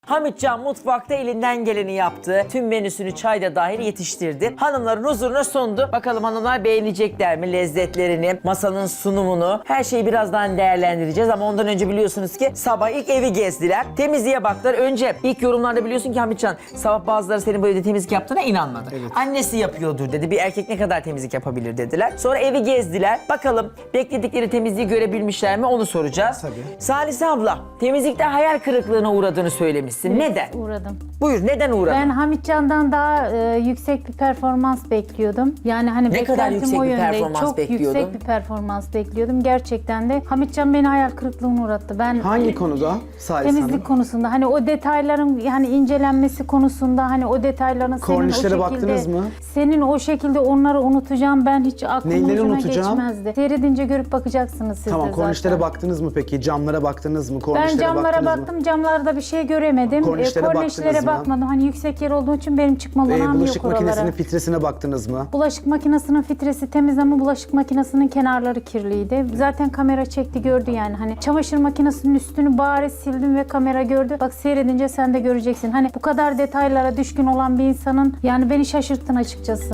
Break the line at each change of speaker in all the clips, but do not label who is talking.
Hamitcan mutfakta elinden geleni yaptı. Tüm menüsünü çayda dahil yetiştirdi. Hanımların huzuruna sundu. Bakalım hanımlar beğenecekler mi lezzetlerini, masanın sunumunu. Her şeyi birazdan değerlendireceğiz ama ondan önce biliyorsunuz ki sabah ilk evi gezdiler. Temizliğe baktılar. Önce ilk yorumlarda biliyorsun ki Hamitcan sabah bazıları senin bu evde temizlik yaptığına inanmadı.
Evet.
Annesi yapıyordur dedi. Bir erkek ne kadar temizlik yapabilir dediler. Sonra evi gezdiler. Bakalım bekledikleri temizliği görebilmişler mi onu soracağız.
Tabii.
Salise abla temizlikte hayal kırıklığına uğradığını söylemişsin. Neden?
Uğradım.
Buyur neden uğradın?
Ben Hamitcan'dan daha yüksek bir performans bekliyordum. Yani hani
Ne kadar
beklentim
yüksek
o
bir
yönde.
performans
Çok
bekliyordun?
yüksek bir performans bekliyordum. Gerçekten de Hamitcan beni hayal kırıklığına uğrattı. Ben
Hangi konuda Salih
temizlik
Hanım?
konusunda hani o detayların yani incelenmesi konusunda hani o detayların senin
Kornişlere
o şekilde
baktınız mı?
senin o şekilde onları unutacağım ben hiç aklımın
Neyleri
ucuna
unutacağım?
geçmezdi. Seyredince görüp bakacaksınız siz
Tamam,
de
kornişlere
zaten.
baktınız mı peki? Camlara baktınız mı?
Ben
Kornişlere
camlara
baktınız
baktım, camlarda bir şey göremedim.
Kornişlere baktınız mı?
bakmadım. Hani yüksek yer olduğu için benim çıkma
mı?
olanağım
Bulaşık
yok oralara.
makinesinin filtresine baktınız mı?
Bulaşık makinesinin filtresi temiz ama bulaşık makinesinin kenarları kirliydi. Zaten kamera çekti gördü yani. Hani çamaşır makinesinin üstünü bari sildim ve kamera gördü. Bak seyredince sen de göreceksin. Hani bu kadar detaylara düşkün olan bir insanın yani beni şaşırttın açıkçası.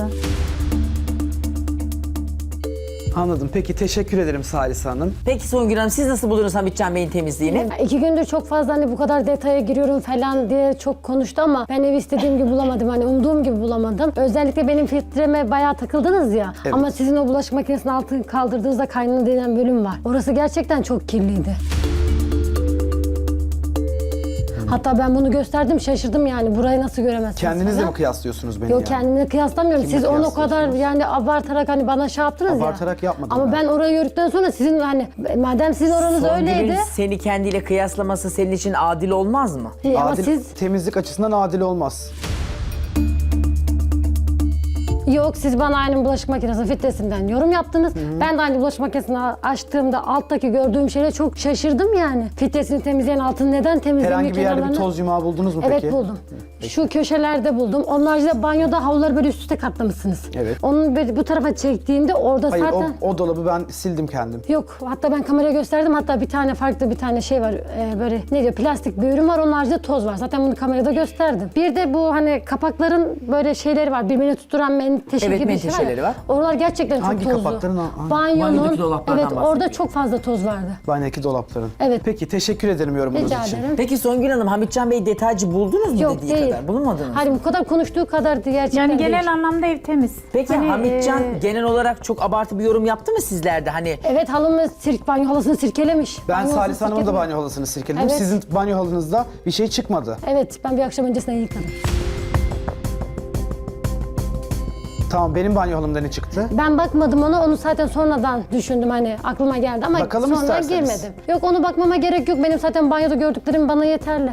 Anladım. Peki teşekkür ederim Salih Hanım.
Peki Songül Hanım siz nasıl buldunuz Hamitcan Bey'in temizliğini?
2 gündür çok fazla hani bu kadar detaya giriyorum falan diye çok konuştu ama ben evi istediğim gibi bulamadım. Hani umduğum gibi bulamadım. Özellikle benim filtreme bayağı takıldınız ya.
Evet.
Ama sizin o bulaşık makinesinin altını kaldırdığınızda kaynana denen bölüm var. Orası gerçekten çok kirliydi. Hatta ben bunu gösterdim şaşırdım yani burayı nasıl göremezsiniz
Kendinizle
falan.
mi kıyaslıyorsunuz beni
Yok
yani?
kendimle kıyaslamıyorum.
Kimle
Siz onu o kadar
kıyaslıyorsunuz?
yani abartarak hani bana şey yaptınız ya.
Abartarak yapmadım
Ama
ben.
ben orayı gördükten sonra sizin hani madem sizin oranız
Songül'ün
öyleydi.
seni kendiyle kıyaslaması senin için adil olmaz mı?
Ama
Adil,
siz
temizlik açısından adil olmaz.
yok siz bana aynı bulaşık makinesi filtresinden yorum yaptınız. Ben de aynı bulaşık makinesini açtığımda alttaki gördüğüm şeyle çok şaşırdım yani. Filtresini temizleyen altını neden temizlemiyor
Herhangi bir yerde bir
kenarlarını?
toz yumağı buldunuz mu
Evet
peki?
buldum. Şu köşelerde buldum. Onun haricinde banyoda havluları böyle üst üste katlamışsınız.
Evet.
Onun böyle bu tarafa çektiğimde orada
Hayır,
zaten...
o dolabı ben sildim kendim.
Yok hatta ben kameraya gösterdim hatta bir tane farklı bir tane şey var böyle ne diyor plastik bir ürün var onun haricinde toz var zaten bunu kamerada gösterdim. Bir de bu hani kapakların böyle şeyleri var birbirine tutturan menteşe
Evet,
gibi bir şey
menteşeleri var.
Oralar gerçekten
Hangi
çok tozlu.
kapakların? Hangi?
Banyonun
Banyodaki dolaplardan
evet orada
bahsediyorum.
çok fazla toz vardı.
Banyodaki dolapların.
Evet.
Peki teşekkür ederim yorumunuz
Rica
için.
ederim.
Peki Songül Hanım Hamitcan Bey detaycı buldunuz mu
Yok
dediği
değil.
kadar? Bulunmadınız mı?
Hayır bu kadar konuştuğu kadar gerçekten
Yani
değil.
genel anlamda ev temiz.
Peki
Hani,
Hamitcan genel olarak çok abartı bir yorum yaptı mı sizlerde? Hani
Evet halımı banyo halısını sirkelemiş.
Ben
Banyo
Salih
halısını
Hanım'ın da
sirkelemiş.
banyo halısını sirkeledim.
Evet.
Sizin banyo halınızda bir şey çıkmadı.
Evet ben bir akşam öncesinden yıkadım.
Tamam, benim banyo halımda ne çıktı?
Ben bakmadım onu zaten sonradan düşündüm hani aklıma geldi ama
Bakalım
sonra
isterseniz.
girmedim. Yok onu bakmama gerek yok benim zaten banyoda gördüklerim bana yeterli.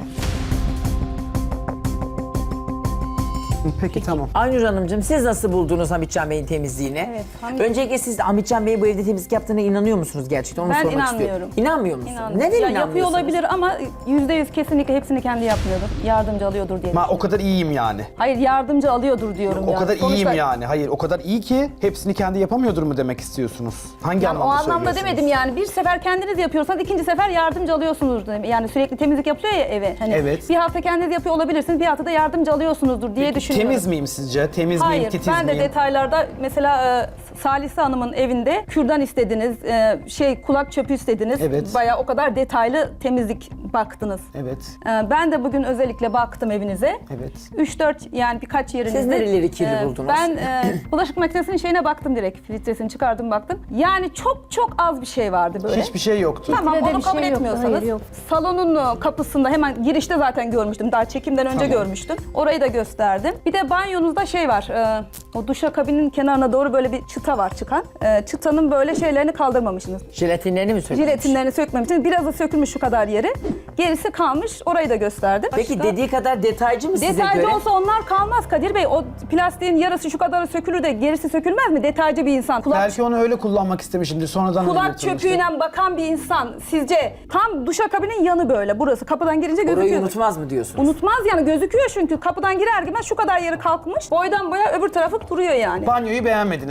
Peki tamam.
Aynur Hanımcığım siz nasıl buldunuz Hamitcan Bey'in temizliğini?
Evet,
Öncelikle siz Hamitcan Bey bu evde temizlik yaptığına inanıyor musunuz gerçekten? Onu
Ben
sormak
inanmıyorum.
istiyorum. İnanmıyor musun?
İnanmıyorum.
Neden
Ya
inanmıyorsunuz?
yapıyor olabilir ama %100 kesinlikle hepsini kendi yapmıyordur. Yardımcı alıyordur diye.
O kadar iyiyim yani.
Hayır yardımcı alıyordur diyorum
O
ya.
kadar
Sonuçta-
iyiyim yani. Hayır, o kadar iyi ki hepsini kendi yapamıyordur mu demek istiyorsunuz? Hangi
Yani o
anlamda
anlamda
söylüyorsunuz?
demedim yani. Bir sefer kendiniz yapıyorsanız ikinci sefer yardımcı alıyorsunuzdur. Yani sürekli temizlik yapıyor ya eve. Hani
Evet.
Bir hafta kendiniz yapıyor olabilirsiniz. Bir hafta da yardımcı alıyorsunuzdur diye düşünüyorum.
Temiz miyim sizce? Temiz miyim?
Hayır,
Titiz
ben de
miyim?
detaylarda mesela Salise Hanım'ın evinde kürdan istediniz, kulak çöpü istediniz.
Evet.
Bayağı o kadar detaylı temizlik baktınız.
Evet.
Ben de bugün özellikle baktım evinize.
Evet.
3-4 yani birkaç yerinizde.
Siz nereleri kirli buldunuz?
Ben bulaşık makinesinin şeyine baktım direkt. Filtresini çıkardım baktım. Yani çok az bir şey vardı böyle.
Hiçbir şey yoktu.
Tamam
Filtrede
onu
bir
kabul
şey yoktu,
etmiyorsanız.
hayır, yok.
Salonun kapısında hemen girişte zaten görmüştüm. Daha çekimden önce görmüştüm. Orayı da gösterdim. Bir de banyonuzda şey var. O duşakabinin kenarına doğru böyle bir çıta var çıkan. Çıtanın böyle şeylerini kaldırmamışsınız.
Jelatinlerini mi sökmüş?
Jiletinlerini sökmemişsiniz. Biraz da sökülmüş şu kadar yeri. Gerisi kalmış. Orayı da gösterdim.
Peki
Başka-
dediği kadar detaycı mı size
Detaycı
göre?
olsa onlar kalmaz Kadir Bey. O plastiğin yarısı şu kadarı sökülür de gerisi sökülmez mi? Detaycı bir insan.
Belki onu öyle kullanmak istemişimdir. Sonradan
Kulak
öyle yapılmıştır.
çöpüyle bakan bir insan sizce tam duşakabinin yanı böyle burası kapıdan girince
Orayı
gözüküyor.
unutmaz mı diyorsunuz?
Unutmaz yani gözüküyor çünkü kapıdan girer girmez şu kadar yeri kalkmış. Boydan boya öbür tarafı duruyor yani.
Banyoyu beğenmediniz. Peki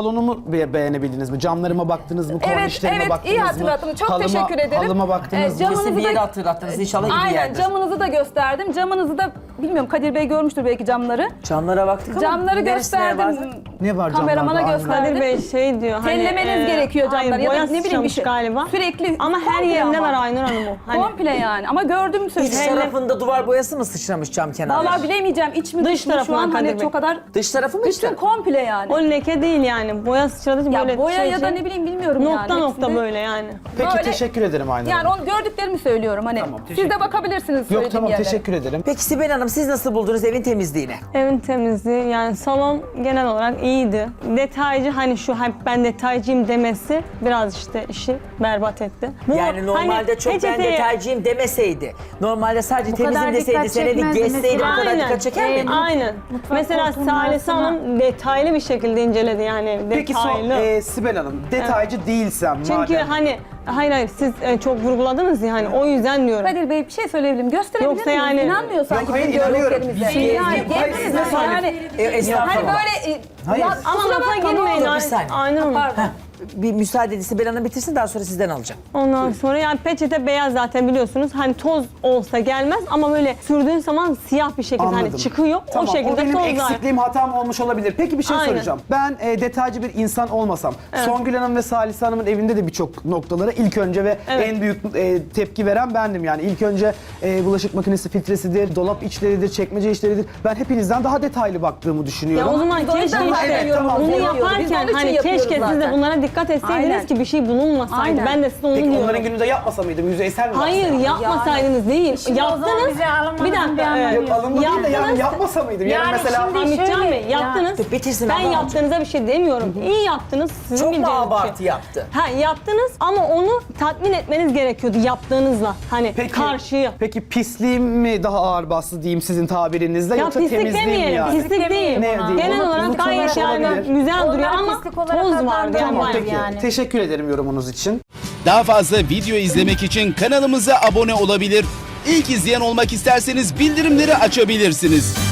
salonumu beğenebildiniz mi? Camlarıma baktınız mı? Kornişlerime
Evet,
baktınız
iyi
mı?
hatırlattınız. Çok teşekkür ederim.
Halıma baktınız mı?
Camınızı
Kesin bir yeri
da-
hatırlattınız. İnşallah iyi bir
Aynen,
yerdir.
camınızı da gösterdim. Camınızı da bilmiyorum, Kadir Bey görmüştür belki camları.
Camlara baktık ama
Camları
neresine
gösterdim.
bazen-
Ne var
Kameramana
camlarda?
gösterdim.
Kadir Bey şey diyor hani
Tellemeniz gerekiyor camları
hayır,
ya da
boya
ne bileyim bir
sıçramış
şey.
galiba.
Sürekli
Ama her
komple
yerinde
ama.
var Aynur Hanım o. Hani
Komple yani ama gördüm
İç
söyleyeyim.
tarafında duvar boyası mı sıçramış cam kenarı?
Vallahi bilemeyeceğim iç mi
Dış
dış mı şu
tarafından
an hani
Kadir Bey.
çok kadar
Dış tarafı mı
bütün
işte?
komple yani.
o leke değil yani. Boya sıçradığı için
Ya
böyle
boya
şey
ya da
şey,
ne bileyim bilmiyorum yani.
nokta nokta
hepsinde.
böyle yani.
Peki
Böyle-
teşekkür ederim Aynur
Yani
Hanım.
onu gördüklerimi söylüyorum hani.
Tamam,
Siz
teşekkür
de bakabilirsiniz
Yok
söylediğim
tamam
yerlere.
teşekkür ederim.
Peki Sibel Hanım siz nasıl buldunuz evin temizliğini?
Evin temizliği yani salon genel olarak iyiydi. Detaycı hani şu hep ben detaycıyım demesi biraz işte işi berbat etti. Bu
Yani normalde
hani
çok ben
peçeteye-
detaycıyım demeseydi. Normalde sadece
Bu kadar
temizim deseydi,
dikkat
seni bir
çekmezdi
gezseydi bu
mesela.
kadar
Aynen.
dikkat çeker miydi?
Aynen. Mesela
koltuğunun
Salih
arasına-
Hanım detaylı bir şekilde inceledi yani
Peki
detaylı.
Sibel Hanım detaycı değilsem
Çünkü
madem.
hani hayır siz çok vurguladınız ya hani o yüzden diyorum.
Kadir Bey bir şey söyleyebilim. Gösterebilir
Yoksa
miyiz?
yani-
İnanmıyor sanki
Yok, hayır,
bizim
inanıyorum.
gördüklerimize.
Biz-
Yani
Yok, hayır, siz
gezmeniz
ne
yani.
Estağfurullah.
Hani böyle
Hayır.
ya,
Ama
kusura
lafa
bakma, ne
girmeyin.
olur.
bir saniye.
Aynur Hanım.
Pardon.
Bir müsaade edin Sibel Hanım bitirsin daha sonra sizden alacağım.
Ondan sonra yani peçete beyaz zaten biliyorsunuz. Hani toz olsa gelmez ama böyle sürdüğün zaman siyah bir şekilde
Anladım.
hani çıkıyor.
Tamam,
o şekilde
benim
tozlar.
eksikliğim, hatam olmuş olabilir. Peki bir şey
Aynen.
soracağım. Ben detaycı bir insan olmasam, Songül Hanım ve Salih Hanım'ın evinde de birçok noktalara ilk önce ve
Evet.
en büyük tepki veren bendim yani. İlk önce bulaşık makinesi filtresidir, dolap içleridir, çekmece içleridir. Ben hepinizden daha detaylı baktığımı düşünüyorum.
Ya o zaman
Biz o
keşke
yüzden
işte
Evet, tamam.
bunu
Biz onun
yaparken
için
hani
yapıyoruz
keşke siz de
zaten.
bunlara dikkat etseydiniz
Aynen.
ki bir şey bulunmasaydı.
Aynen.
Ben de size onu
Peki
diyorum.
onların gününde yapmasa mıydım? Yüzeysel mi
Hayır
baksaydım?
yapmasaydınız değil.
Şimdi o zaman
Yaptınız.
bize alınmanızın
Bir dakika.
bir anlamı
Yok alınma değil de yani
Yaptınız.
yapmasa mıydım? Yani
Yani
mesela
şimdi-
Hamitcan
şöyle-
Bey yaptınız.
Dur, bitirsin
Ben
abla.
yaptığınıza bir şey demiyorum. İyi yaptınız. Sizin
Çok mu
bileceğiniz bir
abartı
şey.
yaptı?
Ha yaptınız ama onu tatmin etmeniz gerekiyordu yaptığınızla. Hani karşıyı.
Peki pisliğim mi daha ağır bastı diyeyim sizin tabirinizle
Ya
yoksa
pislik
temizliğim mi
demeyelim,
yani?
pislik değil.
Ne diyeyim?
Genel
Onu-
olarak
onu
gayet yani
olabilir.
güzel duruyor
Onlar
ama
pislik olarak
toz vardı yani.
adlandırılmıyor.
Tamam
bayağı.
peki.
Yani.
Teşekkür ederim yorumunuz için.
Daha fazla video izlemek için kanalımıza abone olabilir. İlk izleyen olmak isterseniz bildirimleri açabilirsiniz.